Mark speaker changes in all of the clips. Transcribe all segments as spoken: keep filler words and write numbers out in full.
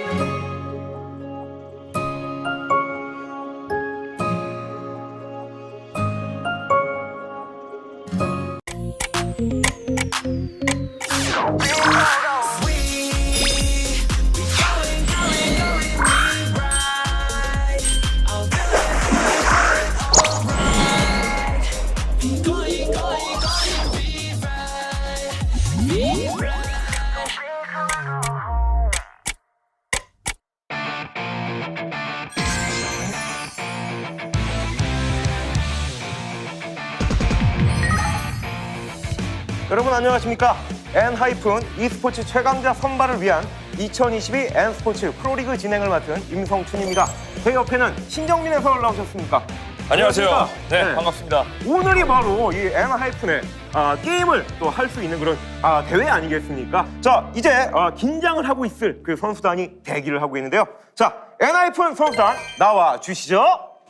Speaker 1: 여러분 안녕하십니까? 엔하이픈 e스포츠 최강자 선발을 위한 이천이십이 N스포츠 프로리그 진행을 맡은 임성춘입니다. 제 옆에는 신정민 해설 나오셨습니까?
Speaker 2: 안녕하세요.
Speaker 1: 안녕하십니까?
Speaker 2: 네,
Speaker 1: 네.
Speaker 2: 반갑습니다.
Speaker 1: 오늘이 바로 이 엔하이픈의 아, 게임을 또 할 수 있는 그런 아, 대회 아니겠습니까? 자, 이제 아, 긴장을 하고 있을 그 선수단이 대기를 하고 있는데요. 자, 엔하이픈 선수단 나와 주시죠.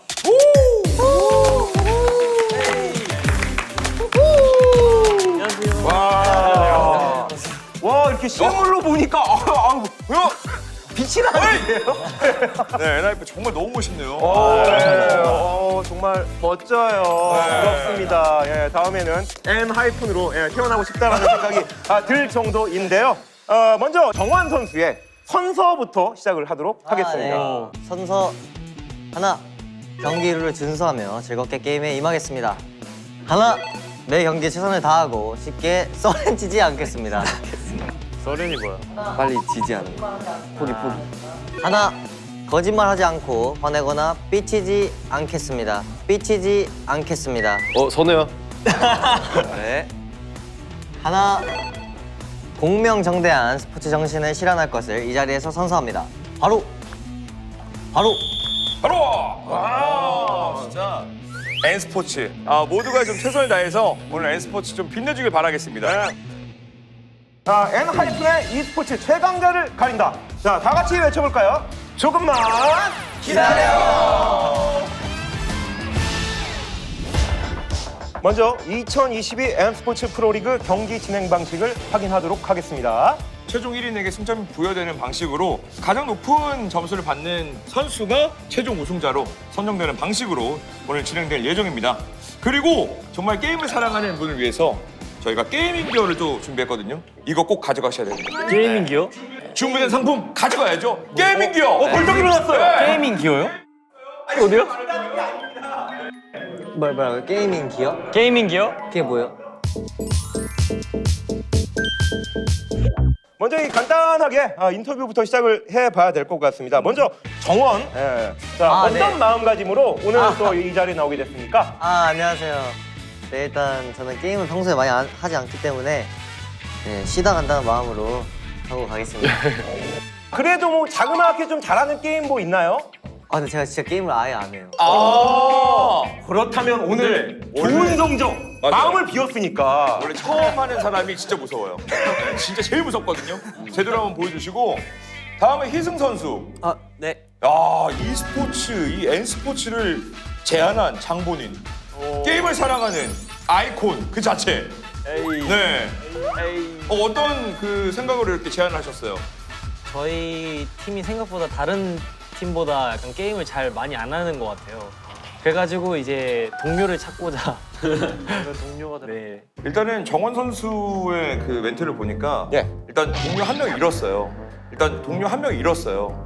Speaker 1: 와, 와 이렇게 실물로 보니까 아, 아, 아, 빛이 나는데요?
Speaker 2: 네, 엔하이픈 정말 너무 멋있네요.
Speaker 1: 어, 네. 어, 정말 멋져요.
Speaker 2: 네.
Speaker 1: 부럽습니다. 예, 다음에는 엔하이픈으로 예, 태어나고 싶다라는 생각이 아, 들 정도인데요. 어, 먼저 정환 선수의 선서부터 시작을 하도록 하겠습니다.
Speaker 3: 아, 네. 선서 하나, 경기 룰을 준수하며 즐겁게 게임에 임하겠습니다. 하나, 매 경기에 최선을 다하고 쉽게 썰렌치지 않겠습니다.
Speaker 2: 서른이 뭐야?
Speaker 3: 빨리 지지 않는 거. 포기 포기. 하나, 거짓말하지 않고 화내거나 삐치지 않겠습니다. 삐치지 않겠습니다.
Speaker 4: 어, 선우야.
Speaker 3: 네. 하나, 공명정대한 스포츠 정신을 실현할 것을 이 자리에서 선서합니다. 바로, 바로.
Speaker 2: 바로! 와, 진짜. N스포츠. 아, 모두가 좀 최선을 다해서 오늘 N스포츠 좀 빛내주길 바라겠습니다.
Speaker 1: 자, 엔하이픈의 e스포츠 최강자를 가린다. 자, 다 같이 외쳐볼까요? 조금만 기다려! 먼저 이천이십이 N스포츠 프로리그 경기 진행 방식을 확인하도록 하겠습니다.
Speaker 2: 최종 일 인에게 승점이 부여되는 방식으로 가장 높은 점수를 받는 선수가 최종 우승자로 선정되는 방식으로 오늘 진행될 예정입니다. 그리고 정말 게임을 사랑하는 분을 위해서 저희가 게이밍 기어를 또 준비했거든요. 이거 꼭 가져가셔야 됩니다.
Speaker 5: 게이밍 기어?
Speaker 2: 주문된 상품 가져가야죠. 게이밍 기어!
Speaker 1: 어, 벌떡 일어났어요.
Speaker 5: 게이밍 기어요?
Speaker 2: 어디요?
Speaker 3: 뭐야 뭐야 게이밍 기어?
Speaker 5: 게이밍 기어?
Speaker 3: 그게 뭐예요?
Speaker 1: 먼저 이 간단하게 아, 인터뷰부터 시작을 해봐야 될 것 같습니다. 먼저 정원, 예. 자
Speaker 3: 아,
Speaker 1: 어떤
Speaker 3: 네.
Speaker 1: 마음가짐으로 오늘
Speaker 3: 아.
Speaker 1: 또 이 자리에 나오게 됐습니까?
Speaker 3: 아 안녕하세요. 네 일단 저는 게임을 평소에 많이 안- 하지 않기 때문에 네, 쉬다 간다는 마음으로 하고 가겠습니다.
Speaker 1: 그래도 뭐 자그마하게 좀 잘하는 게임 뭐 있나요?
Speaker 3: 아 근데 제가 진짜 게임을 아예 안 해요.
Speaker 2: 아!
Speaker 1: 그렇다면 오늘
Speaker 2: 네.
Speaker 1: 좋은
Speaker 2: 원래-
Speaker 1: 성적,
Speaker 2: 맞아요.
Speaker 1: 마음을 비웠으니까
Speaker 2: 원래 처음 하는 사람이 진짜 무서워요. 네, 진짜 제일 무섭거든요. 제대로 한번 보여주시고 다음에 희승 선수.
Speaker 3: 아 네.
Speaker 2: 야, e스포츠, 이 N스포츠를 제안한 장본인. 게임을 사랑하는 아이콘 그 자체. 네. 어, 어떤 그 생각으로 이렇게 제안하셨어요?
Speaker 5: 저희 팀이 생각보다 다른 팀보다 약간 게임을 잘 많이 안 하는 것 같아요. 그래가지고 이제 동료를 찾고자 동료가 네.
Speaker 2: 일단은 정원 선수의 그 멘트를 보니까
Speaker 1: 예.
Speaker 2: 일단 동료 한 명 잃었어요. 일단 동료 한 명 잃었어요.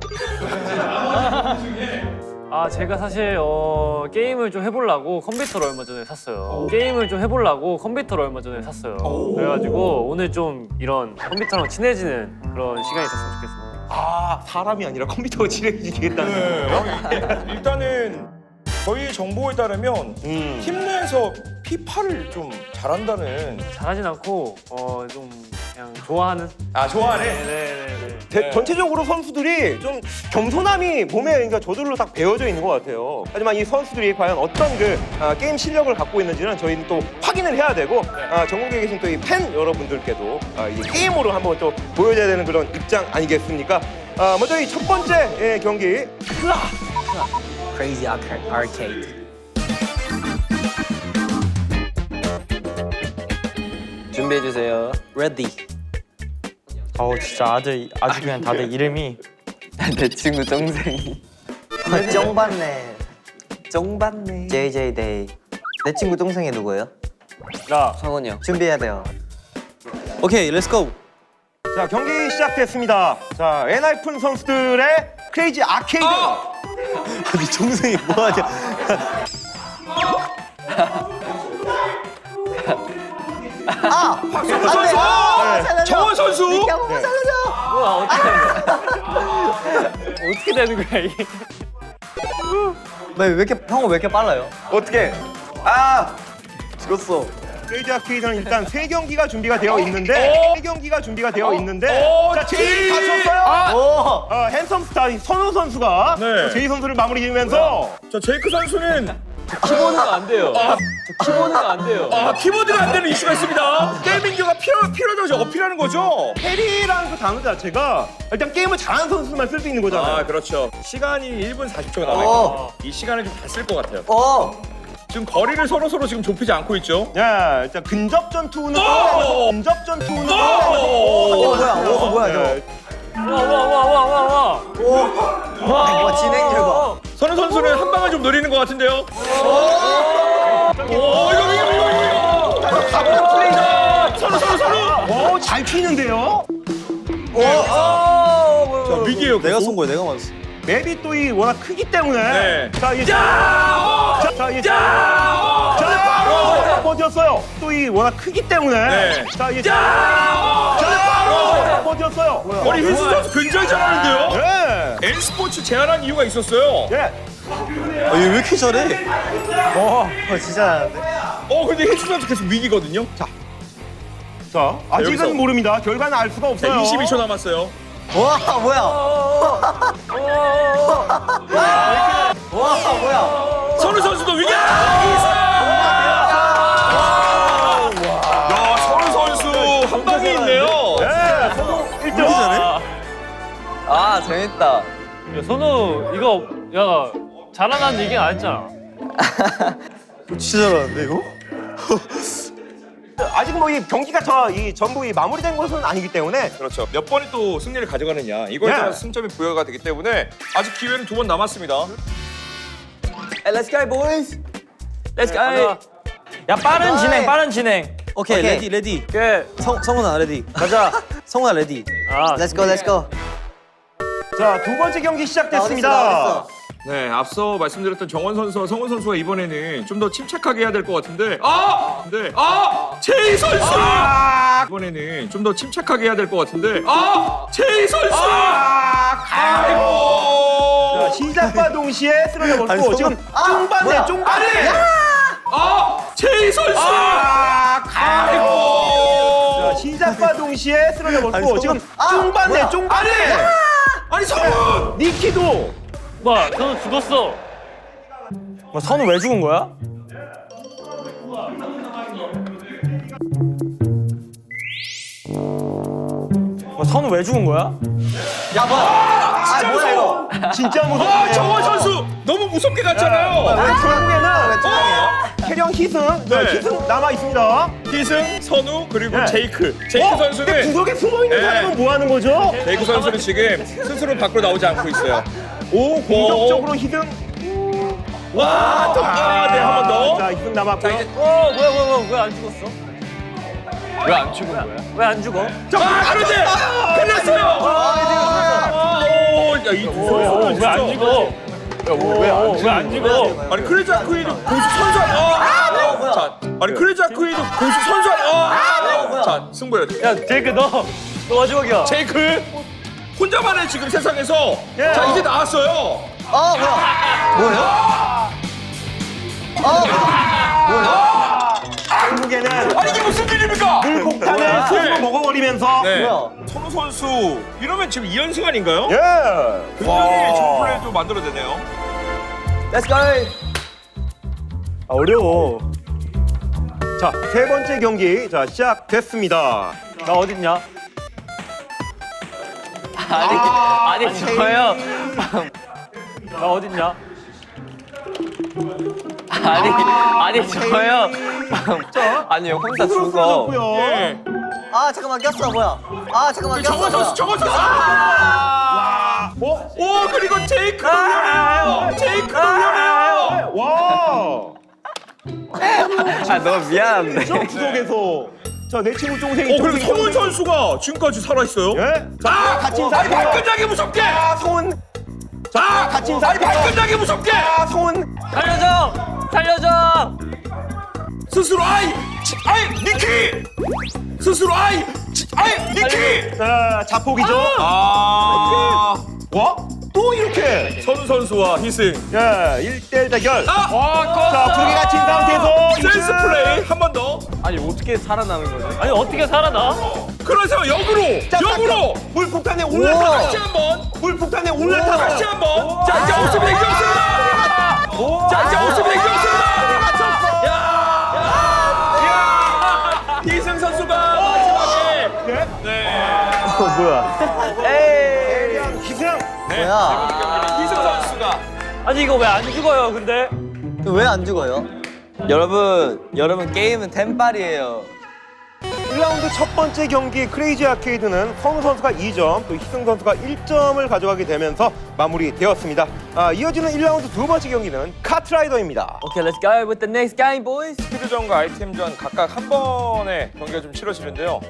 Speaker 5: 아 제가 사실 어, 게임을 좀 해보려고 컴퓨터를 얼마 전에 샀어요. 게임을 좀 해보려고 컴퓨터를 얼마 전에 샀어요. 그래가지고 오늘 좀 이런 컴퓨터랑 친해지는 그런 시간이 있었으면 좋겠습니다.
Speaker 1: 아 사람이 아니라 컴퓨터가 친해지겠다는
Speaker 2: 네. 어, 일단은 저희 정보에 따르면
Speaker 1: 음.
Speaker 2: 팀 내에서 피파를 좀 잘한다는.
Speaker 5: 잘하진 않고 어, 좀 그냥 좋아하는.
Speaker 2: 아, 좋아하네.
Speaker 5: 네네네.
Speaker 1: 대-
Speaker 2: 네.
Speaker 1: 전체적으로 선수들이 좀 겸손함이 몸에 그러니까 저절로 딱 배어져 있는 것 같아요. 하지만 이 선수들이 과연 어떤 그 아, 게임 실력을 갖고 있는지는 저희는 또 확인을 해야 되고 아, 전국에 계신 또 이 팬 여러분들께도 아, 이 게임으로 한번 또 보여줘야 되는 그런 입장 아니겠습니까? 아, 먼저 이 첫 번째 예, 경기
Speaker 3: Crazy Arcade.
Speaker 4: 준비해 주세요.
Speaker 3: Ready.
Speaker 6: 어우 진짜 아주 아주 그냥 다들 이름이
Speaker 4: 내 친구 동생이
Speaker 3: 쩡받네.
Speaker 4: 쫑받네.
Speaker 3: 제이제이 데이. 내 친구 동생이 누구예요?
Speaker 5: 나
Speaker 4: 성원이 형.
Speaker 3: 준비해야 돼요.
Speaker 4: 오케이, 렛츠고.
Speaker 1: 자, 경기 시작됐습니다. 자, 엔하이픈 선수들의 크레이지 아케이드.
Speaker 4: 아니 동생이 뭐하냐?
Speaker 3: 아!
Speaker 2: 박성호 선수!
Speaker 3: 아, 살려줘!
Speaker 2: 정원 선수!
Speaker 3: 미끼 한 번만 살려줘!
Speaker 5: 뭐야 어떻게 되는 거야? 어떻게 되는 거야 이게?
Speaker 3: 왜, 왜 이렇게, 형은 왜 이렇게 빨라요?
Speaker 1: 어떻게? 아!
Speaker 4: 죽었어.
Speaker 1: 크레이지 아케이드는 일단 세 경기가 준비가 되어 있는데
Speaker 2: 어?
Speaker 1: 세 경기가 준비가 되어 있는데
Speaker 2: 어,
Speaker 1: 자, 제이
Speaker 2: 제이!
Speaker 1: 다쳤어요.
Speaker 2: 아!
Speaker 3: 오!
Speaker 1: 어, 핸섬 스타 선우 선수가
Speaker 2: 네.
Speaker 1: 제이 선수를 마무리 지으면서
Speaker 2: 자, 제이크 선수는
Speaker 5: 키보드가 안 돼요. 저 키보드가 안 돼요.
Speaker 2: 아, 키보드가 안 되는 이슈가 있습니다. 게이밍교가 필요, 필요하다고 어필하는 거죠?
Speaker 1: 캐리라는 그 단어 자체가 일단 게임을 잘하는 선수만 쓸 수 있는 거잖아요.
Speaker 2: 아, 그렇죠. 시간이 일 분 사십 초가
Speaker 3: 어.
Speaker 2: 남아있어요. 이 시간을 좀 다 쓸 것 같아요.
Speaker 3: 어!
Speaker 2: 지금 거리를 서로서로 지금 좁히지 않고 있죠?
Speaker 1: 야, 일단 근접 전투는
Speaker 2: 오!
Speaker 1: 끌어내면서 근접 전투는
Speaker 2: 오!
Speaker 3: 어, 뭐야? 어, 뭐야, 저거?
Speaker 1: 네.
Speaker 5: 와와와와와 와.
Speaker 3: 와, 진행률 봐.
Speaker 2: 선우 선수는 한 방을 좀 노리는 것 같은데요? 오, 이거, 이거, 이거, 이거! 가보자, 플레이자! 선우, 선우, 선우!
Speaker 1: 오, 잘 튀는데요?
Speaker 2: 자, 위기에요.
Speaker 4: 내가 쏜 거야, 내가 맞았어.
Speaker 1: 맵이 또 이 워낙 크기 때문에
Speaker 2: 네.
Speaker 1: 자, 이
Speaker 2: 야!
Speaker 1: 자, 자, 이
Speaker 2: 야!
Speaker 1: 자, 버텼어요. 또 이 워낙 크기 때문에
Speaker 2: 네.
Speaker 1: 자, 이
Speaker 2: 야!
Speaker 1: 자, 버텼어요.
Speaker 2: 아니, 휘수 선수 굉장히 잘하는데요?
Speaker 1: 예.
Speaker 2: N스포츠 제안한 이유가 있었어요.
Speaker 1: 예.
Speaker 4: 아, 얘 왜 이렇게 잘해?
Speaker 3: 어, 진짜 잘하는데?
Speaker 2: 어, 근데 휘수 선수 계속 위기거든요. 자,
Speaker 1: 자, 아직은
Speaker 2: 여기서.
Speaker 1: 모릅니다. 결과는 알 수가 없어요.
Speaker 2: 네, 이십이 초 남았어요.
Speaker 3: 와, 뭐야? 와, 뭐야?
Speaker 2: 선우 선수도 위기! 야, 선우 선수 한 방이 있네요.
Speaker 1: 예. 선우 일 등.
Speaker 4: 아, 재밌다.
Speaker 5: 야, 선우 이거 야 잘하는 얘기 안 했잖아.
Speaker 4: 진짜 잘하는데 이거?
Speaker 1: 아직 뭐 이 경기가 저 이 전부 이 마무리된 것은 아니기 때문에
Speaker 2: 그렇죠. 몇 번이 또 승리를 가져가느냐 이거에
Speaker 1: 네.
Speaker 2: 따라서 승점이 부여가 되기 때문에 아직 기회는 두 번 남았습니다.
Speaker 4: Let's go, boys. Let's
Speaker 5: 가자. 야 빠른 진행 빠른 진행.
Speaker 4: 오케이,
Speaker 3: 오케이.
Speaker 4: 레디, 레디.
Speaker 5: 오케이
Speaker 4: 성, 성훈아, 레디.
Speaker 5: 가자.
Speaker 4: 성훈아, 레디.
Speaker 5: 아
Speaker 3: Let's go, let's go.
Speaker 1: 자, 두 번째 경기
Speaker 3: 나
Speaker 1: 시작됐습니다.
Speaker 3: 어딨어, 나 어딨어?
Speaker 2: 네, 앞서 말씀드렸던 정원 선수와 성훈 선수가 이번에는 좀 더 침착하게 해야 될 것 같은데 아! 근데 아! 제이 선수!
Speaker 1: 아,
Speaker 2: 이번에는 좀 더 침착하게 해야 될 것 같은데 아! 제이 선수!
Speaker 1: 아,
Speaker 2: 아이고!
Speaker 1: 자, 시작과 동시에 쓰러져 버리고
Speaker 4: 아니,
Speaker 1: 지금
Speaker 3: 아,
Speaker 1: 쫑반네
Speaker 3: 뭐야?
Speaker 1: 쫑반네.
Speaker 2: 아! 제이 선수!
Speaker 1: 아,
Speaker 2: 아이고!
Speaker 1: 자, 시작과 동시에 쓰러져 버리고
Speaker 4: 아니,
Speaker 1: 지금
Speaker 3: 아,
Speaker 1: 쫑반네
Speaker 3: 뭐야?
Speaker 1: 쫑반네.
Speaker 2: 아니 성훈!
Speaker 1: 니키도
Speaker 5: 와 선우 죽었어.
Speaker 4: 뭐, 선우 왜 죽은 거야? 뭐, 선우 왜 죽은 거야?
Speaker 3: 야, 뭐야? 아, 뭐야, 이거?
Speaker 1: 진짜
Speaker 2: 아!
Speaker 1: 무섭네요.
Speaker 2: 정원 선수! 너무 무섭게 갔잖아요!
Speaker 1: 왜 결국에는
Speaker 3: 왜
Speaker 1: 캐령 희승, 자,
Speaker 2: 네.
Speaker 1: 희승 남아 있습니다.
Speaker 2: 희승, 선우, 그리고
Speaker 1: 네.
Speaker 2: 제이크. 제이크
Speaker 1: 어? 근데
Speaker 2: 선수는
Speaker 1: 구석에 숨어 있는
Speaker 2: 네.
Speaker 1: 사람은 뭐 하는 거죠?
Speaker 2: 제이크 선수는 지금 스스로 밖으로 나오지 않고 있어요. 오,
Speaker 1: 공격적으로 희승.
Speaker 2: 와, 또, 아, 네, 한 번 더.
Speaker 1: 자, 희승 남았고요.
Speaker 2: 자, 이제
Speaker 5: 어 뭐야 뭐야 뭐야 왜 안 죽었어? 왜 안 죽은 거야? 왜 안 죽어?
Speaker 2: 아, 그런데 끝났어요. 아, 오, 야, 이두 선수는
Speaker 5: 왜 안
Speaker 2: 진짜.
Speaker 5: 죽어? 왜 안 죽어?
Speaker 2: 아니 크레이지 아크이드 공수 선수 아니- 아,
Speaker 3: 뭐야?
Speaker 2: 자, 아니 크레이지 아크이드 공수 선수 아니- 아,
Speaker 3: 뭐야?
Speaker 2: 자, 승부야.
Speaker 5: 야 제이크 너너 마지막이야.
Speaker 2: 제이크 혼자만의 지금 세상에서
Speaker 1: 예.
Speaker 2: 자 이제 나왔어요.
Speaker 3: 어, 뭐야? 뭐예요? 어, 뭐야?
Speaker 1: 결국에는
Speaker 2: 아니 이게 무슨 일입니까?
Speaker 1: 물폭탄을 스스로 먹어버리면서
Speaker 2: 네.
Speaker 3: 뭐야?
Speaker 2: 선우 선수 이러면 지금 이 연승 아닌가요?
Speaker 1: 예.
Speaker 2: 굉장히 좋은 플레이도 만들어내네요.
Speaker 4: Let's go.
Speaker 1: 아, 어려워. 자, 세 번째 경기 자 시작됐습니다.
Speaker 5: 나 어딨냐?
Speaker 4: 아니, 아니, 저요.
Speaker 5: 나 어딨냐?
Speaker 4: 아니, 아니, 저요. 아니요, 혼자
Speaker 1: 스스로
Speaker 4: 죽어.
Speaker 1: 쓰러졌고요.
Speaker 2: 네.
Speaker 3: 아, 잠깐만, 꼈어, 뭐야? 아, 잠깐만, 꼈어.
Speaker 2: 정원 선수,
Speaker 3: 뭐야?
Speaker 2: 정원 선수.
Speaker 1: 와, 어?
Speaker 4: 아 너무 미안한데.
Speaker 1: 저 구석에서 자 내 친구 동생이
Speaker 2: 어, 그리고
Speaker 1: 동생이
Speaker 2: 성훈
Speaker 1: 동생이-
Speaker 2: 선수가 지금까지 살아있어요.
Speaker 1: 예?
Speaker 2: 아!
Speaker 1: 같이
Speaker 2: 아니,
Speaker 1: 인사해요.
Speaker 2: 발끈하게 무섭게!
Speaker 1: 아 성훈
Speaker 2: 아!
Speaker 1: 같이
Speaker 2: 아니,
Speaker 1: 인사해요.
Speaker 2: 발끈하게 무섭게!
Speaker 1: 아 성훈
Speaker 5: 살려줘! 살려줘!
Speaker 2: 스스로 아이! 치, 아이! 니키! 스스로 아이! 치, 아이! 니키!
Speaker 1: 자 자폭이죠.
Speaker 2: 아!
Speaker 1: 와? 또 이렇게
Speaker 2: 선우 선수와 희승.
Speaker 1: 야 일 대 일 대결.
Speaker 2: 아!
Speaker 1: 자 불이 갇힌 상태에서
Speaker 2: 센스
Speaker 1: 이제
Speaker 2: 플레이 한 번 더.
Speaker 4: 아니 어떻게 살아남은 거지?
Speaker 5: 아니 어떻게 살아나?
Speaker 2: 그래서 역으로!
Speaker 1: 자,
Speaker 2: 역으로!
Speaker 1: 물폭탄에
Speaker 2: 다시
Speaker 1: 올라타.
Speaker 2: 한 번!
Speaker 1: 물폭탄에 올라타.
Speaker 2: 다시 한 번! 자, 이제 오십 대 없습니다! 자, 이제 오십 대 없습니다!
Speaker 1: 맞췄어.
Speaker 2: 야! 희승 선수가 마지막에
Speaker 1: 네.
Speaker 2: 네.
Speaker 1: 희승.
Speaker 2: 네.
Speaker 3: 뭐야?
Speaker 2: 희승 선수가
Speaker 5: 아니 이거 왜 안 죽어요 근데?
Speaker 3: 왜 안 죽어요?
Speaker 4: 여러분 여러분 게임은 템빨이에요.
Speaker 1: 일 라운드 첫 번째 경기 크레이지 아케이드는 선우 선수가 이 점, 또 희승 선수가 일 점을 가져가게 되면서 마무리되었습니다. 아, 이어지는 일 라운드 두 번째 경기는 카트라이더입니다.
Speaker 4: Okay, let's go with the next game, boys.
Speaker 2: 스피드전과 아이템전 각각 한 번의 경기가 좀 치러지는데요.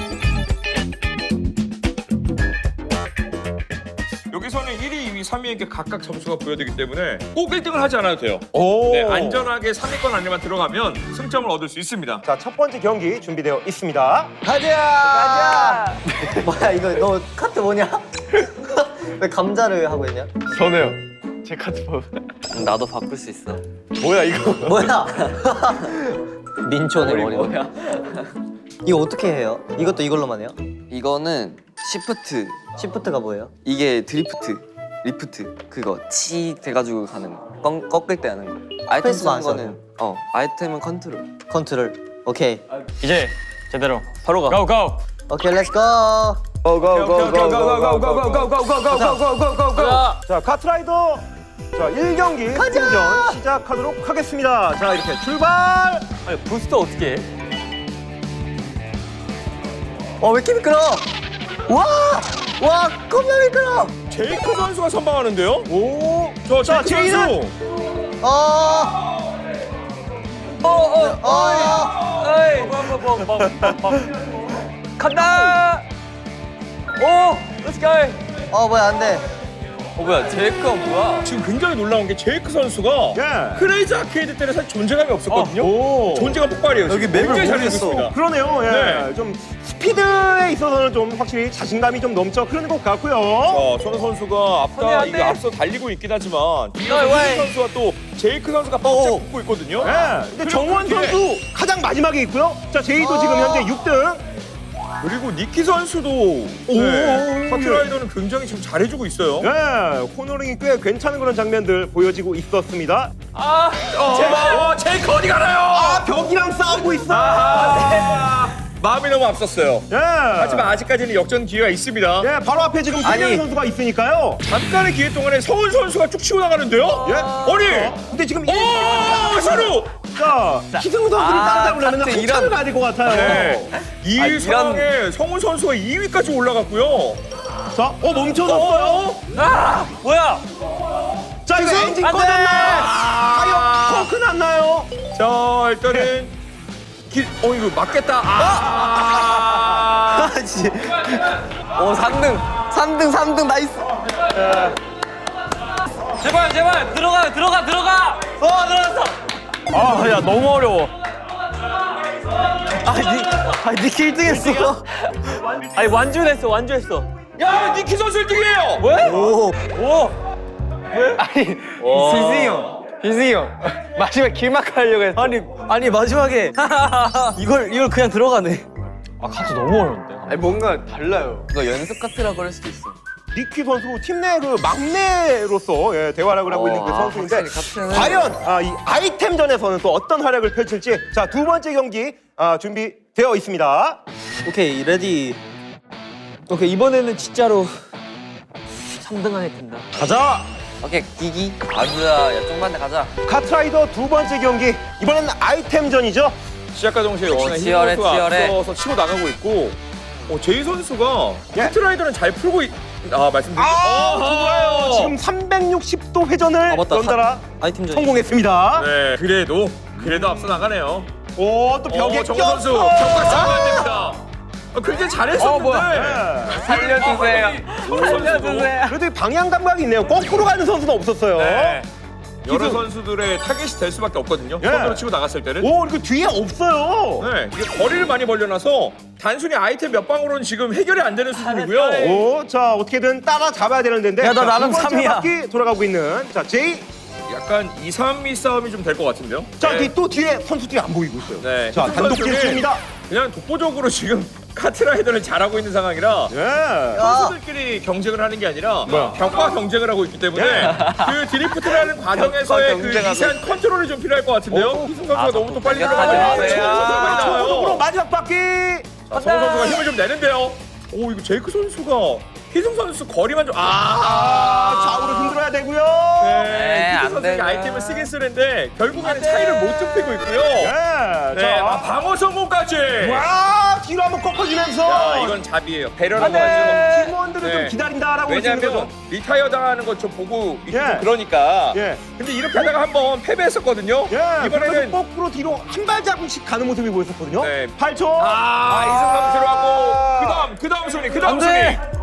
Speaker 2: 여기서는 일 위, 이 위, 삼 위에게 각각 점수가 부여되기 때문에 꼭 일 등을 하지 않아도 돼요.
Speaker 1: 오.
Speaker 2: 네, 안전하게 삼 위권 안에만 들어가면 승점을 얻을 수 있습니다.
Speaker 1: 자, 첫 번째 경기 준비되어 있습니다.
Speaker 3: 가자! 가자! 뭐야 이거 너 카트 뭐냐? 왜 감자를 하고 있냐?
Speaker 4: 저네요. 제 카드 봐. 나도 바꿀 수 있어.
Speaker 1: 뭐야 이거?
Speaker 3: 뭐야? 민초네
Speaker 4: 머리
Speaker 3: 머리가.
Speaker 4: 뭐야?
Speaker 3: 이거 어떻게 해요? 이것도 이걸로만 해요?
Speaker 6: 이거는 시프트,
Speaker 3: 시프트가 뭐예요?
Speaker 6: 이게 드리프트, 리프트 그거 치 돼가지고 가는 거, 꺾, 꺾을 때 하는 거. 아이템
Speaker 3: 스페이스만
Speaker 6: 쓰는
Speaker 3: 안
Speaker 6: 거는 어 아이템은 컨트롤.
Speaker 3: 컨트롤. 오케이.
Speaker 5: 이제 제대로
Speaker 4: 바로 가.
Speaker 5: 고 고!
Speaker 3: 오케이 렛츠 고.
Speaker 5: 자,
Speaker 1: 자, 카트라이더. 자, 일 경기 승전 시작하도록 하겠습니다. 자, 이렇게 출발.
Speaker 5: 아니 부스터 어떻게 해?
Speaker 3: 어 왜 이렇게 미끄러? 와! 와 겁나 미끄러.
Speaker 2: 제이크 선수가 선방하는데요.
Speaker 1: 오.
Speaker 2: 저
Speaker 1: 자,
Speaker 2: 제이크
Speaker 1: 제이는
Speaker 2: 선수.
Speaker 3: 어.
Speaker 5: 어어
Speaker 3: 어.
Speaker 5: 어이 간다! 오! 렛츠 고!
Speaker 3: 어 뭐야 안 돼.
Speaker 4: 어 뭐야? 제이크가 뭐야?
Speaker 2: 지금 굉장히 놀라운 게 제이크 선수가
Speaker 1: 예.
Speaker 2: 크레이지 아케이드 때는 사실 존재감이 없었거든요.
Speaker 1: 오.
Speaker 2: 존재감 폭발이에요.
Speaker 3: 여기
Speaker 2: 지금.
Speaker 3: 맵을
Speaker 2: 굉장히 잘
Speaker 3: 모르겠어.
Speaker 2: 알고 있습니다.
Speaker 1: 그러네요. 예.
Speaker 2: 네.
Speaker 1: 좀 스피드에 있어서는 좀 확실히 자신감이 좀 넘쳐 흐르는 것 같고요.
Speaker 2: 어, 선우 선수가
Speaker 5: 선이
Speaker 2: 앞다
Speaker 5: 안
Speaker 2: 이거
Speaker 5: 돼.
Speaker 2: 앞서 달리고 있긴 하지만 뒤에서
Speaker 5: 너 왜?
Speaker 2: 희승 선수와 또 제이크 선수가 바짝
Speaker 1: 어어.
Speaker 2: 붙고 있거든요.
Speaker 1: 예. 근데
Speaker 2: 그리고
Speaker 1: 정원
Speaker 2: 그 뒤에
Speaker 1: 선수 가장 마지막에 있고요. 자, 제이도
Speaker 3: 아.
Speaker 1: 지금 현재 육 등.
Speaker 2: 그리고 니키 선수도
Speaker 1: 오.
Speaker 2: 네, 카트라이더는 굉장히 지금 잘해주고 있어요.
Speaker 1: 예. 코너링이 꽤 괜찮은 그런 장면들 보여지고 있었습니다.
Speaker 5: 아!
Speaker 2: 어, 어, 제이크 어디 가나요?
Speaker 1: 아, 벽이랑 싸우고 있어.
Speaker 2: 아, 마음이 너무 앞섰어요.
Speaker 1: 예.
Speaker 2: 하지만 아직까지는 역전 기회가 있습니다.
Speaker 1: 예, 바로 앞에 지금
Speaker 2: 아니.
Speaker 1: 김영희 선수가 있으니까요.
Speaker 2: 잠깐의 기회 동안에 서훈 선수가 쭉 치고 나가는데요.
Speaker 1: 예.
Speaker 2: 아니,
Speaker 1: 근데 지금 이
Speaker 2: 오, 선우.
Speaker 1: 자, 희승우 선수를
Speaker 4: 아,
Speaker 1: 따라잡으려면
Speaker 4: 카트
Speaker 1: 한참을
Speaker 4: 이런-
Speaker 1: 가야 될 것 같아요.
Speaker 2: 네. 이
Speaker 4: 아, 이런-
Speaker 2: 상황에 성훈 선수가 이 위까지 올라갔고요.
Speaker 1: 자, 어 멈춰졌어요.
Speaker 5: 아! 뭐야?
Speaker 1: 자, 이거 엔진
Speaker 5: 안 돼!
Speaker 1: 꺼졌나요? 타이어 펑크 났나요?
Speaker 2: 자, 일단은 길, 어 이거 맞겠다. 아,
Speaker 4: 어 삼 등, 삼 등, 삼 등 나이스.
Speaker 5: 제발 제발 들어가 들어가 들어가! 어 들어갔어! 아 야 너무 어려워.
Speaker 3: 아니 아니 니키 일 등 했어.
Speaker 5: 아니 완주했어 완주했어.
Speaker 2: 야, 니키 선수 일 등이에요.
Speaker 5: 왜?
Speaker 3: 오.
Speaker 5: 오!
Speaker 4: 희승이 형, 희승이 형. 마지막 길막 하려고 했어.
Speaker 3: 아니 아니 마지막에 이걸 이걸 그냥 들어가네.
Speaker 5: 아 카트 너무 어려운데.
Speaker 4: 아니 뭔가 달라요. 이거 연습 카트라고 할 수도 있어.
Speaker 1: 니키 선수 팀 내 그 막내로서 예, 대활약을 하고 있는 그
Speaker 6: 아,
Speaker 1: 선수인데
Speaker 6: 확실히 카트는-
Speaker 1: 과연 아, 이 아이템전에서는 또 어떤 활약을 펼칠지 자, 두 번째 경기 아, 준비되어 있습니다.
Speaker 3: 오케이 레디.
Speaker 5: 오케이 이번에는 진짜로 삼 등 안에 든다.
Speaker 1: 가자.
Speaker 6: 오케이 기기. 아주야, 야 좀만 가자.
Speaker 1: 카트라이더 두 번째 경기 이번에는 아이템전이죠.
Speaker 2: 시작과 동시에 역시나
Speaker 6: 어,
Speaker 2: 희
Speaker 6: 치열해,
Speaker 2: 선수가
Speaker 6: 치열해.
Speaker 2: 앞서서 치고 나가고 있고, 어, 제이 선수가
Speaker 1: 예.
Speaker 2: 카트라이더는 잘 풀고 있. 아 말씀드렸죠.
Speaker 1: 아, 좋아요. 지금 삼백육십 도 회전을
Speaker 3: 아, 맞다.
Speaker 1: 연달아
Speaker 3: 아이템전.
Speaker 1: 성공했습니다.
Speaker 2: 네, 그래도 그래도 앞서 나가네요.
Speaker 1: 오, 또 벽에
Speaker 2: 어, 정우 선수
Speaker 1: 꼈어.
Speaker 2: 벽과 싸우면 안 됩니다. 아, 굉장히 잘했었는데.
Speaker 4: 살려주세요. 살려주세요.
Speaker 1: 그래도 이 방향 감각이 있네요. 거꾸로 가는 선수는 없었어요.
Speaker 2: 네. 여러
Speaker 1: 기술.
Speaker 2: 선수들의 타겟이 될 수밖에 없거든요.
Speaker 1: 예.
Speaker 2: 선으로 치고 나갔을 때는.
Speaker 1: 오, 그리고 뒤에 없어요.
Speaker 2: 네, 이게 거리를 많이 벌려놔서 단순히 아이템 몇 방으로는 지금 해결이 안 되는 수준이고요.
Speaker 1: 오, 자, 어떻게든 따라 잡아야 되는데.
Speaker 4: 야, 나
Speaker 1: 자,
Speaker 4: 나름
Speaker 1: 두 번째
Speaker 4: 삼이야.
Speaker 1: 바퀴 돌아가고 있는. 자, 제이.
Speaker 2: 약간 이, 삼 위 싸움이 좀 될 것 같은데요.
Speaker 1: 자,
Speaker 2: 네.
Speaker 1: 뒤- 또 뒤에 선수들이 안 보이고 있어요.
Speaker 2: 네.
Speaker 1: 자,
Speaker 2: 희승
Speaker 1: 단독
Speaker 2: 선수는
Speaker 1: 질주입니다.
Speaker 2: 그냥 독보적으로 지금 카트라이더를 잘하고 있는 상황이라
Speaker 1: 예.
Speaker 2: 선수들끼리 경쟁을 하는 게 아니라 벽과 경쟁을 하고 있기 때문에 그 드리프트라는 과정에서의 그
Speaker 6: 경쟁하고
Speaker 2: 미세한 컨트롤이 좀 필요할 것 같은데요. 희승 선수가 너무 또 빨리 들어가서
Speaker 6: 마세요.
Speaker 1: 초록으로 마지막 바퀴.
Speaker 2: 자, 성우 선수가 힘을 좀 내는데요. 오, 이거 제이크 선수가 희승 선수 거리만 좀 아.
Speaker 1: 좌우로 흔들어야 되고요.
Speaker 2: 네,
Speaker 4: 안
Speaker 2: 희승 선수가
Speaker 4: 되나.
Speaker 2: 아이템을 쓰긴 쓰는데 결국에는 차이를 못 좁히고 있고요.
Speaker 1: 예.
Speaker 2: 네, 아,
Speaker 1: 자,
Speaker 2: 방어 성공까지.
Speaker 1: 와, 뒤로 한번 꺾어주면서.
Speaker 2: 야, 이건 잡이에요. 배려라고 하죠.
Speaker 1: 팀원들을
Speaker 2: 네.
Speaker 1: 좀 기다린다라고 볼수 있는
Speaker 2: 왜냐면
Speaker 1: 거죠.
Speaker 2: 리타이어 당하는 것 좀 보고 있고
Speaker 1: 예.
Speaker 2: 좀 그러니까.
Speaker 1: 예.
Speaker 2: 근데 이렇게 하다가 한번 패배했었거든요.
Speaker 1: 예.
Speaker 2: 이번에는
Speaker 1: 그래서 거꾸로 뒤로 한 발자국씩 가는 모습이 보였었거든요.
Speaker 2: 네.
Speaker 1: 팔 초.
Speaker 2: 아, 이승 선수로 하고 그다음 그다음 순위 그다음 순위.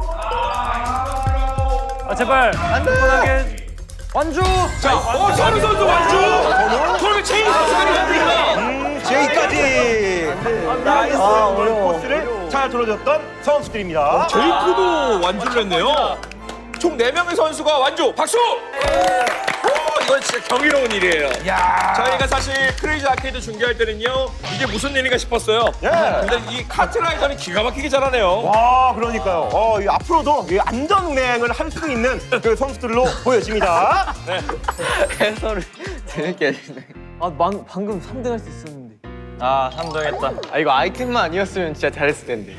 Speaker 5: 아 제발 안전하게 완주.
Speaker 2: 자, 어, 선우 선수 완주. 그러면 제이 선수가 됩니다.
Speaker 1: 음, 제이까지. 나이스.
Speaker 3: 아, 어려워.
Speaker 1: 코스를 잘 들어줬던 선수들입니다.
Speaker 2: 제이크도 완주를 했네요. 총 네 명의 선수가 완주. 박수! 오, 이건 진짜 경이로운 일이에요. 저희가 사실 크레이지 아케이드 중계할 때는요, 이게 무슨 일인가 싶었어요.
Speaker 1: 예.
Speaker 2: 근데 이 카트라이더는 기가 막히게 잘하네요.
Speaker 1: 와, 그러니까요. 어, 이 앞으로도 이 안전 운행을 할 수 있는 그 선수들로 보여집니다.
Speaker 6: 해설을 재밌게 해주네.
Speaker 4: 아, 방, 방금 삼 등 할 수 있었는데.
Speaker 5: 아 삼 등 했다.
Speaker 4: 아, 이거 아이템만 아니었으면 진짜 잘했을 텐데.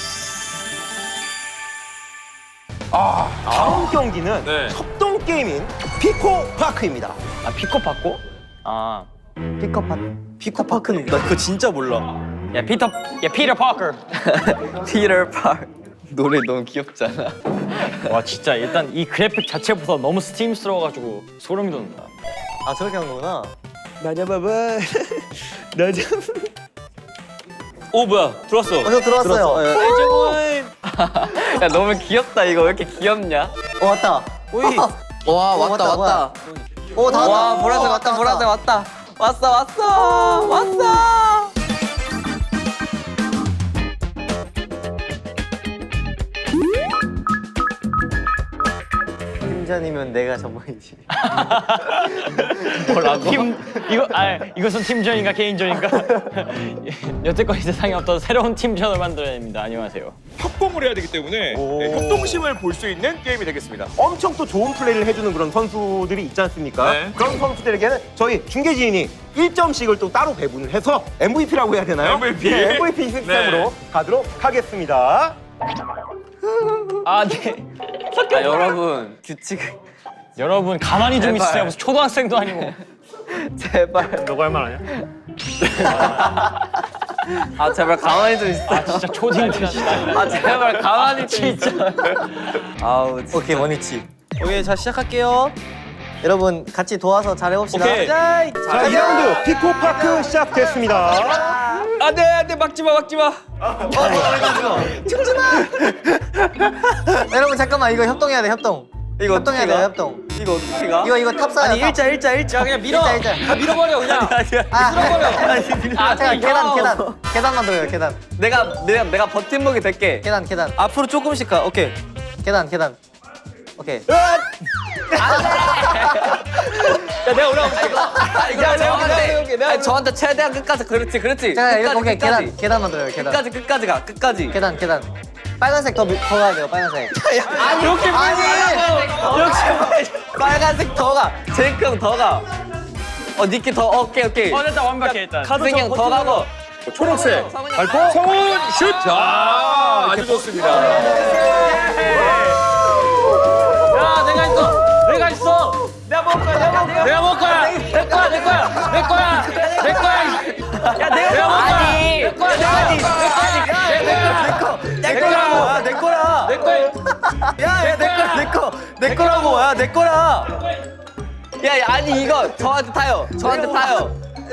Speaker 1: 다음 경기는
Speaker 2: 네.
Speaker 1: 협동 게임인 피코 파크입니다.
Speaker 4: 아, 피코 받고? 아.
Speaker 3: 피커파 피커파크는 나 그거 진짜 몰라.
Speaker 5: 야 피터 야 피터 파커.
Speaker 6: 피터 팍 노래 너무 귀엽잖아.
Speaker 5: 와 진짜 일단 이 그래픽 자체부터 너무 스팀스러워가지고 소름이 돋는다.
Speaker 3: 아 저렇게 하는 거구나.
Speaker 1: 나잡아봐. 나잡.
Speaker 5: 오 뭐야 들어왔어.
Speaker 3: 어, 저 들어왔어요. 예.
Speaker 6: 야 너무 귀엽다 이거 왜 이렇게 귀엽냐?
Speaker 3: 어 왔다.
Speaker 5: 오이.
Speaker 6: 와
Speaker 3: 어,
Speaker 6: 왔다
Speaker 3: 왔다,
Speaker 6: 왔다.
Speaker 3: 오 다 왔다.
Speaker 6: 와 보라색
Speaker 3: 어,
Speaker 6: 왔다 보라색 왔다. 왔어 왔어 왔어.
Speaker 3: 팀전이면 내가 전문이지.
Speaker 5: 뭐라고? 팀 이거 아 이것은 팀전인가 개인전인가? 여태껏 이 세상에 없던 새로운 팀전을 만들어야 됩니다. 안녕하세요.
Speaker 2: 협공을 해야 되기 때문에 네, 협동심을 볼 수 있는 게임이 되겠습니다.
Speaker 1: 엄청 또 좋은 플레이를 해주는 그런 선수들이 있지 않습니까?
Speaker 2: 네.
Speaker 1: 그런 선수들에게는 저희 중계진이 일 점씩을 또 따로 배분을 해서 엠브이피라고 해야 되나요?
Speaker 2: 엠브이피.
Speaker 1: 네, 엠브이피 시스템으로
Speaker 2: 네.
Speaker 1: 가도록 하겠습니다.
Speaker 5: 아 네.
Speaker 6: 아 여러분 규칙을
Speaker 5: 여러분 가만히 좀
Speaker 6: 제발.
Speaker 5: 있으세요. 무슨 초등학생도 아니고.
Speaker 6: 제발.
Speaker 5: 너가 할 말 아니야?
Speaker 6: 아 제발 가만히 좀 있어.
Speaker 5: 아 진짜 초딩들 진짜.
Speaker 6: 아 제발 가만히 좀 있어. 아우 진짜.
Speaker 3: 오케이 원위치. 오케이 자 시작할게요. 여러분 같이 도와서 잘해봅시다.
Speaker 5: 오케이.
Speaker 3: 자,
Speaker 1: 자, 이 라운드 피코 파크 시작됐습니다.
Speaker 6: 안돼 안돼 막지 마 막지 마.
Speaker 3: 여러분 잠깐만 이거 협동해야 돼 협동.
Speaker 6: 이거
Speaker 3: 협동해야
Speaker 6: 어떻게
Speaker 3: 돼
Speaker 6: 가?
Speaker 3: 협동.
Speaker 6: 이거 어떻게 가?
Speaker 3: 이거 이거 탑사야.
Speaker 6: 아니 일자 일자 일자 그냥 밀어.
Speaker 3: 일자 일자.
Speaker 6: 다 밀어버려 그냥.
Speaker 3: 아,
Speaker 6: 밀어버려.
Speaker 3: 아, 제가
Speaker 6: 이거.
Speaker 3: 계단 계단 계단 만들어요 계단.
Speaker 6: 내가 내가 내가 버팀목이 될게.
Speaker 3: 계단 계단
Speaker 6: 앞으로 조금씩 가. 오케이.
Speaker 3: 계단 계단. 오케이.
Speaker 6: 야 내가 올라올게. 아, 이거 내가 저한테 내가 저한테 최대한 끝까지 그렇지 그렇지.
Speaker 3: 자 이렇게
Speaker 6: 끝까지
Speaker 3: 오케이
Speaker 6: 끝까지.
Speaker 3: 계단 계단 만들어요 계단.
Speaker 6: 끝까지 끝까지 가 끝까지.
Speaker 3: 계단 계단. 빨간색 더, 미- 더 가야 돼요 빨간색.
Speaker 6: 아니 이렇게
Speaker 3: 아니
Speaker 6: 이렇게 빨간색 더 가. 제이크 형 더 가. 어 니키 더 오케이 오케이.
Speaker 5: 어 일단 완벽해 일단.
Speaker 6: 승희 형더 가고.
Speaker 2: 초록색
Speaker 6: 발포.
Speaker 2: 성훈 슛. 자, 아주 좋습니다.
Speaker 5: 야 내가 있어. 내가 있어. 내가 먹을 거야. 내가 먹을 거야. 내가 먹을 거야. 내 거야. 내 거야. 내 거야. 내 거야. 야 내가 내가 먹을 거야. 내 거야. 내 거야. 내 거야. 내 거야.
Speaker 6: 내 거라.
Speaker 5: 내 거야.
Speaker 6: 야내거내거내 거라고. 야내 거라. 야 야, 아니 이거 저한테 타요. 저한테 타요.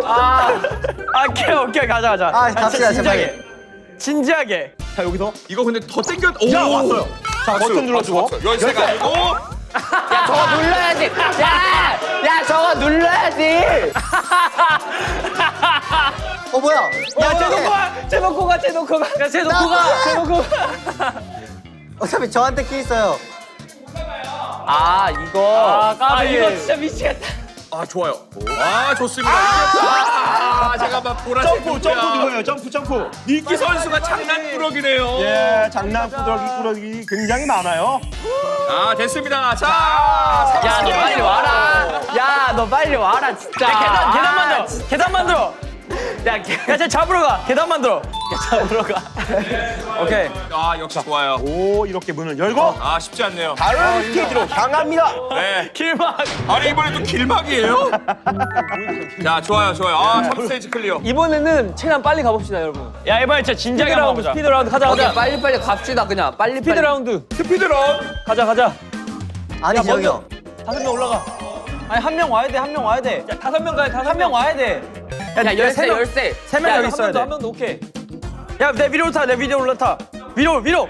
Speaker 4: 아, 오케이 오케이 가자 가자.
Speaker 3: 아, 갑시다,
Speaker 4: 진지하게. 진지하게.
Speaker 1: 자 여기서
Speaker 2: 이거 근데 더 땡겨. 오!
Speaker 1: 자 왔어요. 자 버튼 눌러주고
Speaker 2: 열쇠 가지고.
Speaker 6: 야 저거 눌러야지. 야, 야 저거 눌러야지.
Speaker 3: 어 뭐야?
Speaker 4: 야, 쟤 놓고 가. 쟤 놓고 가. 쟤 놓고 가. 야, 쟤 놓고 가. 쟤 놓고 가.
Speaker 3: 어차피 저한테 키 있어요.
Speaker 6: 아 이거.
Speaker 5: 아 까비.
Speaker 4: 아, 이거 진짜 미치겠다.
Speaker 2: 아 좋아요. 아 좋습니다. 아, 잠깐만 보라색
Speaker 1: 점프
Speaker 2: 누구야?
Speaker 1: 점프 누구예요? 점프 점프.
Speaker 2: 니키 선수가 장난꾸러기네요.
Speaker 1: 예, 장난꾸러기 꾸러기 굉장히 많아요.
Speaker 2: 아 됐습니다. 자,
Speaker 6: 야 너 빨리 와라. 야 너 빨리 와라 진짜.
Speaker 4: 야, 계단 계단
Speaker 6: 아,
Speaker 4: 만들어. 계단 만들어.
Speaker 6: 야 개.
Speaker 4: 야, 쟤 잡으러 가. 계단 만들어. 야, 잡으러 가. 오케이.
Speaker 2: 아 역시 좋아요.
Speaker 1: 오 이렇게 문을 열고
Speaker 2: 아 쉽지 않네요.
Speaker 1: 다른 스테이지로 향합니다.
Speaker 2: 네.
Speaker 4: 길막.
Speaker 2: 아니 이번에 또 길막이에요? 자 좋아요 좋아요. 아 삼 스테이지 클리어.
Speaker 4: 이번에는 최대한 빨리 가봅시다, 여러분. 야, 이번에 진짜 진지하게 한번 가보자. 스피드 라운드 가자,
Speaker 6: 오케이
Speaker 4: 가자.
Speaker 6: 빨리 빨리 갑시다 그냥 빨리
Speaker 4: 스피드
Speaker 6: 빨리.
Speaker 4: 라운드.
Speaker 2: 스피드런.
Speaker 4: 가자, 가자.
Speaker 3: 아니지 여기요.
Speaker 4: 다섯 명 올라가. 아니, 한 명 와야 돼, 한 명 와야 돼. 야, 다섯 명 가야 돼, 한 명 와야 돼.
Speaker 6: 야 열쇠 열쇠.
Speaker 4: 세명
Speaker 6: 야,
Speaker 4: 여기 있어야 돼. 한 명도 오케이. 야, 내 위로 타, 내 위로 올라타. 위로, 위로.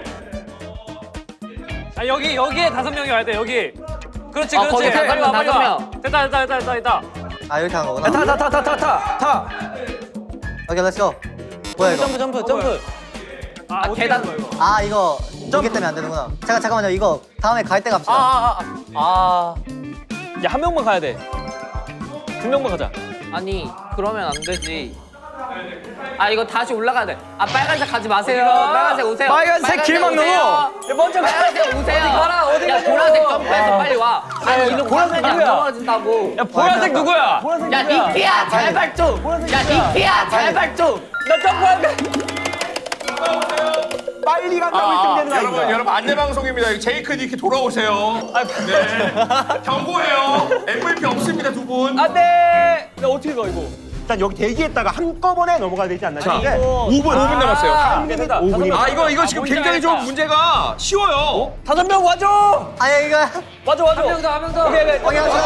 Speaker 5: 아 여기 여기에 다섯 명이 와야 돼 여기. 그렇지
Speaker 6: 어,
Speaker 5: 그렇지.
Speaker 6: 거기 다섯
Speaker 5: 빨리
Speaker 6: 명,
Speaker 5: 와 빨리
Speaker 6: 다섯
Speaker 5: 와.
Speaker 6: 명.
Speaker 5: 됐다 됐다 됐다 됐다 됐다.
Speaker 3: 아 이렇게 한 거구나.
Speaker 4: 야, 타, 타, 타, 타, 타, 타. 타.
Speaker 3: 오케이 렛츠고. 뭐야 이거?
Speaker 4: 점프, 점프, 점프.
Speaker 5: 아, 어떻게
Speaker 6: 계단.
Speaker 5: 하는 거야, 이거?
Speaker 3: 아 이거 무게 때문에 안 되는구나. 잠깐 잠깐만요. 이거 다음에 갈 때 갑시다.
Speaker 4: 아아아 아, 아. 야 한 명만 가야 돼. 두 명만 가자.
Speaker 6: 아니 그러면 안 되지. 아 이거 다시 올라가야 돼. 아 빨간색 가지 마세요.
Speaker 4: 어디가?
Speaker 6: 빨간색 오세요.
Speaker 4: 빨간색 길막
Speaker 6: 오세요.
Speaker 4: 넘어. 야, 먼저 가.
Speaker 6: 빨간색 오세요.
Speaker 4: 어디 가라, 어디
Speaker 6: 야
Speaker 4: 가냐고.
Speaker 6: 보라색 점프해서 빨리 와. 아니 이거
Speaker 4: 보라색
Speaker 6: 보라색이 안
Speaker 4: 누구야?
Speaker 6: 넘어진다고.
Speaker 4: 야 보라색 누구야? 보라색
Speaker 6: 야 니키야 제발 좀. 야 니키야 제발 좀.
Speaker 4: 나 점프할게.
Speaker 1: 빨리 간다고 일 등 되는 거
Speaker 2: 여러분,
Speaker 1: 아닙니까?
Speaker 2: 여러분 안내 방송입니다. 제이크 니키 돌아오세요. 네. 경고해요. 엠브이피 없습니다, 두 분.
Speaker 4: 안돼. 나 어떻게 가 이거?
Speaker 1: 일단 여기 대기했다가 한꺼번에 넘어가야 되지 않나요?
Speaker 2: 자,
Speaker 1: 이게
Speaker 2: 오 분, 오 분 남았어요.
Speaker 4: 아, 됐다.
Speaker 1: 오 분이면-
Speaker 2: 아, 이거, 이거
Speaker 4: 아,
Speaker 2: 지금
Speaker 4: 뭔지
Speaker 2: 굉장히 좀
Speaker 4: 알겠다.
Speaker 2: 문제가 쉬워요.
Speaker 4: 다섯 명 와줘.
Speaker 3: 아니야 이거.
Speaker 4: 와줘 와줘.
Speaker 6: 한 명 더, 한 명 더.
Speaker 4: 오케이 오케이.
Speaker 3: 오케이 오케이 오케이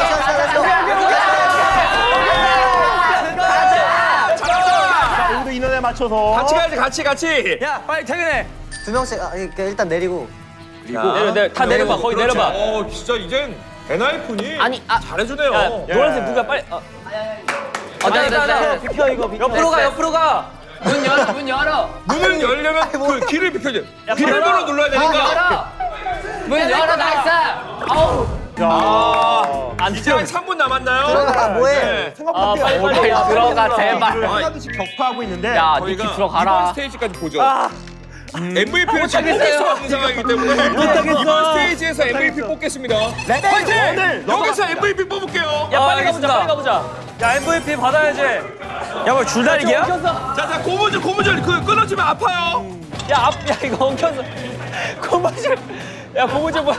Speaker 1: 자, 모두 인원에 맞춰서
Speaker 2: 같이 가야지, 같이, 같이.
Speaker 4: 야 빨리 퇴근해.
Speaker 3: 두 명씩 아, 이렇게 일단 내리고.
Speaker 4: 내려 내려 다 내려봐. 거기
Speaker 2: 그렇죠.
Speaker 4: 내려봐.
Speaker 2: 어, 진짜 이젠 엔하이픈이
Speaker 6: 아니, 아.
Speaker 2: 잘해주네요.
Speaker 4: 야
Speaker 2: 예.
Speaker 4: 노란색 누가 빨리. 어.
Speaker 6: 어, 됐어, 됐어, 됐어.
Speaker 3: 비켜 이거 비켜.
Speaker 4: 옆으로 가 옆으로 가.
Speaker 6: 문 열어, 문 열어.
Speaker 2: 문을 열려면 그 길을 비켜줘. 비밀번호
Speaker 4: 열어.
Speaker 2: 눌러야
Speaker 6: 문
Speaker 2: 되니까.
Speaker 6: 열어. 문 열어, 나이스. 아우.
Speaker 2: 아,
Speaker 4: 안
Speaker 2: 이제 한 삼 분 남았나요?
Speaker 3: 들어가 뭐해?
Speaker 2: 네.
Speaker 1: 생각보다
Speaker 4: 아, 빨리, 빨리.
Speaker 1: 어려워요.
Speaker 6: 야, 들어가, 제발.
Speaker 1: 하나씩 격파하고 있는데
Speaker 6: 야, 니키
Speaker 2: 저희가 이번
Speaker 6: 들어가라.
Speaker 2: 스테이지까지 보죠. 엠브이피를 지금 뽑을
Speaker 6: 못하겠어요.
Speaker 2: 수 없는 상황이기 때문에
Speaker 4: 못하겠어.
Speaker 2: 이번 스테이지에서 엠브이피 뽑겠습니다. 파이팅!
Speaker 1: 오늘
Speaker 2: 여기서 엠브이피 뽑을게요.
Speaker 4: 야 빨리
Speaker 5: 아,
Speaker 4: 가보자. 빨리 가보자.
Speaker 5: 야 엠브이피 받아야지.
Speaker 4: 야뭐 줄다리기야?
Speaker 2: 자, 자, 고무줄, 고무줄 그 끊어지면 아파요.
Speaker 4: 야, 앞, 야 이거 엉켰어. 고무줄. 야 고무줄 뭐야?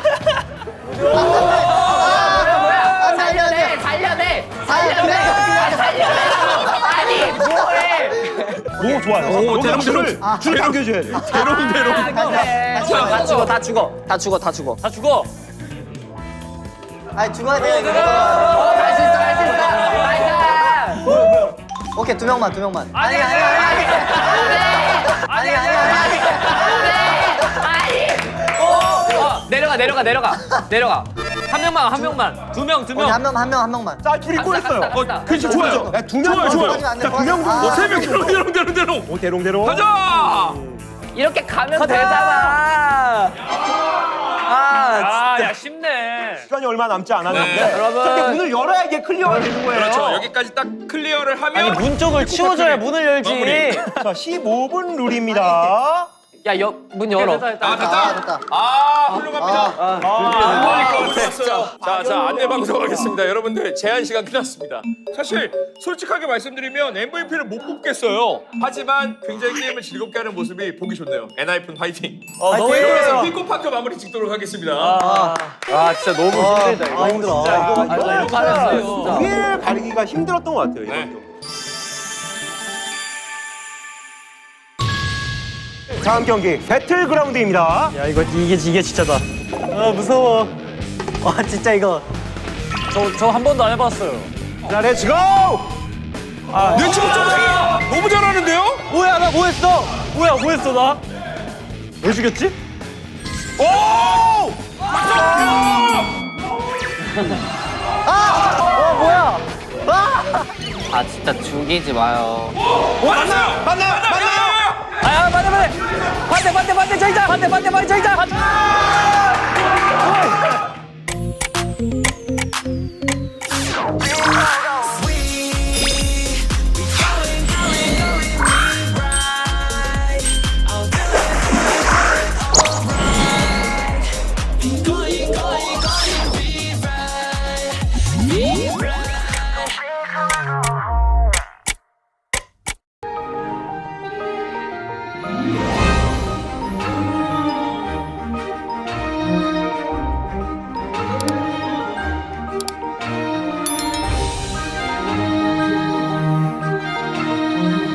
Speaker 6: 아, 살려내, 살려내, 살려내, 아, 살려내. 아니, 뭐해?
Speaker 1: 오 좋아요.
Speaker 2: 오,
Speaker 1: 여기
Speaker 2: 대롱,
Speaker 1: 줄을
Speaker 2: 대롱.
Speaker 1: 줄 당겨줘야 돼.
Speaker 2: 대롱, 대롱.
Speaker 6: 다 죽어, 다 죽어, 다 죽어, 다 죽어.
Speaker 4: 다 죽어.
Speaker 3: 아니 죽어야 돼 이거.
Speaker 6: 할 수 있어, 할 수 있어. 나이스.
Speaker 3: 오케이 두 명만 두 명만.
Speaker 6: 아니, 아니, 아니,
Speaker 3: 아니 아니 아니.
Speaker 6: 어, 내려가, 내려가, 내려가, 내려가.
Speaker 5: 한 명만 한 명만.
Speaker 4: 두 명, 두
Speaker 3: 오케이
Speaker 4: 명.
Speaker 3: 한 명 한 명 한 명만.
Speaker 1: 자 둘이 꼬였어요.
Speaker 6: 갑시다, 갑시다.
Speaker 2: 그렇지, 좋아요.
Speaker 1: 야, 두 명,
Speaker 2: 좋아요, 좋아요.
Speaker 1: 자, 두 명 정도.
Speaker 3: 아.
Speaker 2: 세 명, 대롱, 대롱, 대롱, 대롱.
Speaker 1: 오 대롱 대롱.
Speaker 2: 가자!
Speaker 6: 이렇게 가면
Speaker 4: 가자.
Speaker 6: 되잖아.
Speaker 4: 아,
Speaker 5: 아야 쉽네.
Speaker 1: 시간이 얼마 남지 않았는데.
Speaker 2: 네,
Speaker 4: 여러분.
Speaker 1: 근데 문을 열어야 이게 클리어가 되는 거예요.
Speaker 2: 그렇죠. 여기까지 딱 클리어를 하면
Speaker 4: 아니 문 쪽을 치워줘야 문을 열지.
Speaker 2: 마무리.
Speaker 1: 자 십오 분 룰입니다.
Speaker 6: 야, 여, 문 열어.
Speaker 5: 됐다 됐다.
Speaker 2: 아, 됐다.
Speaker 3: 아 됐다.
Speaker 2: 아, 훌륭합니다.
Speaker 3: 아.
Speaker 2: 아, 자, 자, 안내 방송하겠습니다. 여러분들 제한 시간 끝났습니다. 사실 솔직하게 말씀드리면 엠브이피를 못 뽑겠어요. 하지만 굉장히 게임을 즐겁게 하는 모습이 보기 좋네요. 엔하이픈 화이팅.
Speaker 4: 어 너무
Speaker 2: 이러면서
Speaker 4: 힘들어.
Speaker 2: 피코파크 마무리 짓도록 하겠습니다.
Speaker 4: 아, 아 진짜 너무 힘들다 이거.
Speaker 3: 아 힘들어.
Speaker 1: 진짜 이거
Speaker 4: 아, 이거 이거 잘했어요.
Speaker 1: 위를 가리기가 힘들었던 것 같아요.
Speaker 2: 네.
Speaker 1: 이것도. 다음 경기 배틀그라운드입니다.
Speaker 4: 야 이거 이게 이게 진짜다. 아 무서워.
Speaker 3: 와 진짜 이거.
Speaker 5: 저 저 한 번도 안 해봤어요.
Speaker 1: 자 렛츠고!
Speaker 2: 내 친구 정상이야. 너무 잘하는데요?
Speaker 4: 뭐야 나 뭐했어? 뭐야 뭐했어 나?
Speaker 1: 왜 죽였지?
Speaker 2: 오!
Speaker 6: 아, 진짜 죽이지 마요.
Speaker 2: 만나요! 만나요! 만나요!
Speaker 4: 아야 반대 반대 반대 반대 반대 저기다 반대 반대 반대 저기다.